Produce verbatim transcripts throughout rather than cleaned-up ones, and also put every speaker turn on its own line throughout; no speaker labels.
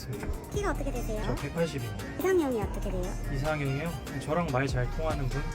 있습니다.
키가 어떻게
저
되세요?
백팔십입니다.
이상형이 어떻게 돼요?
이상형이요? 저랑 말 잘 통하는 분?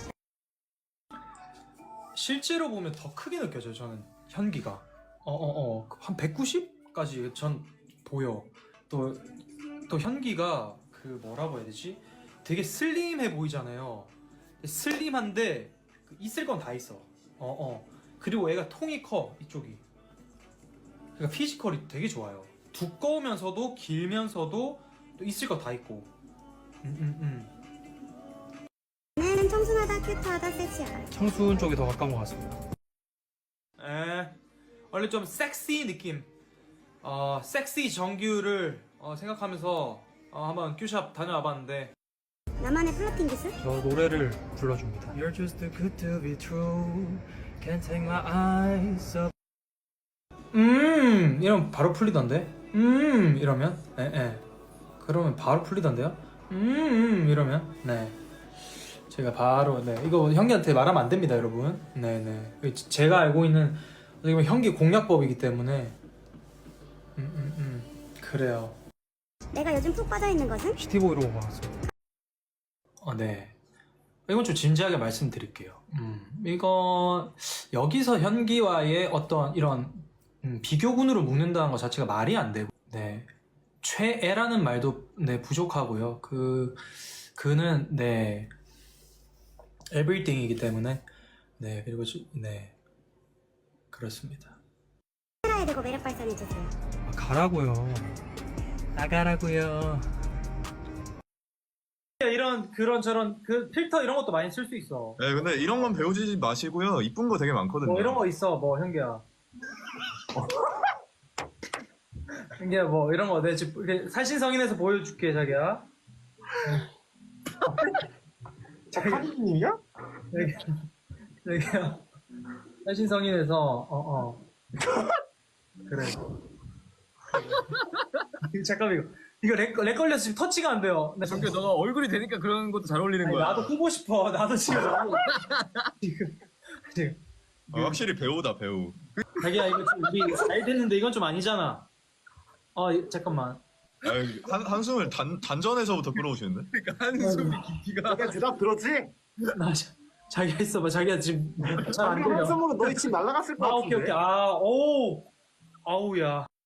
실제로 보면 더 크게 느껴져요. 저는 현기가 어어어 한 백구십까지 전 보여. 또 또 현기가 그 뭐라고 해야 되지? 되게 슬림해 보이잖아요. 슬림한데 그 있을 건 다 있어. 어어 그리고 애가 통이 커 이쪽이. 그러니까 피지컬이 되게 좋아요. 두꺼우면서도 길면서도 또 있을 거 다 있고. 음음음.
나는 청순하다, 큐트하다, 섹시하다.
청순 쪽이 더 가까운 것 같습니다.
에 원래 좀 섹시 느낌, 어 섹시 정규를 어, 생각하면서 어, 한번 큐샵 다녀와봤는데
나만의 플러팅 기술?
저 노래를 불러줍니다. You're just too good to be true. Can't take my eyes up.
음 이러면 바로 풀리던데. 음 이러면 에에 그러면 바로 풀리던데요. 음, 음 이러면 네 제가 바로 네 이거 형기한테 말하면 안 됩니다 여러분. 네네 제가 알고 있는 어떻게 보면 형기 공략법이기 때문에 음음음 음, 음. 그래요.
내가 요즘 푹 빠져있는 것은?
시티보이로 온 것 같습니다.
어, 네. 이건 좀 진지하게 말씀드릴게요. 음, 이건 여기서 현기와의 어떤 이런 음, 비교군으로 묶는다는 것 자체가 말이 안 되고, 네. 최애라는 말도 네 부족하고요. 그 그는 네 everything이기 때문에 네 그리고 지- 네 그렇습니다.
카메라에 대고 매력 발산해주세요.
아, 가라고요. 나가라고요.
이런 그런 저런 그 필터 이런 것도 많이 쓸 수 있어.
네, 근데 이런 건 배우지 마시고요. 이쁜 거 되게 많거든요.
뭐 이런 거 있어, 뭐 현기야. 현기야, 뭐 이런 거 내 지금 이렇게 살신성인에서 보여줄게, 자기야.
작가님이야?
여기, 여기야. 살신성인에서 어 어. 그래. 이거 잠깐만 이거 이거 렉, 렉 걸려서 지금 터치가 안 돼요. 네.
정규 너가 얼굴이 되니까 그런 것도 잘 어울리는
아니,
거야.
나도 끄고 싶어. 나도 지금 너무 지금 지금
아, 확실히 배우다 배우.
자기야 이거 좀 우리 잘 됐는데 이건 좀 아니잖아. 어 이- 잠깐만.
아, 한, 한숨을 단, 단전에서부터 끌어오시는데?
그러니까 한숨이 깊이가.
내가 대답 들었지?
나 자, 자기야 있어봐. 자기야 지금 잘 안 들려.
한숨으로 너희 집 날라갔을 것
아
같은데.
오케이 오케이. 아 오. 아우야.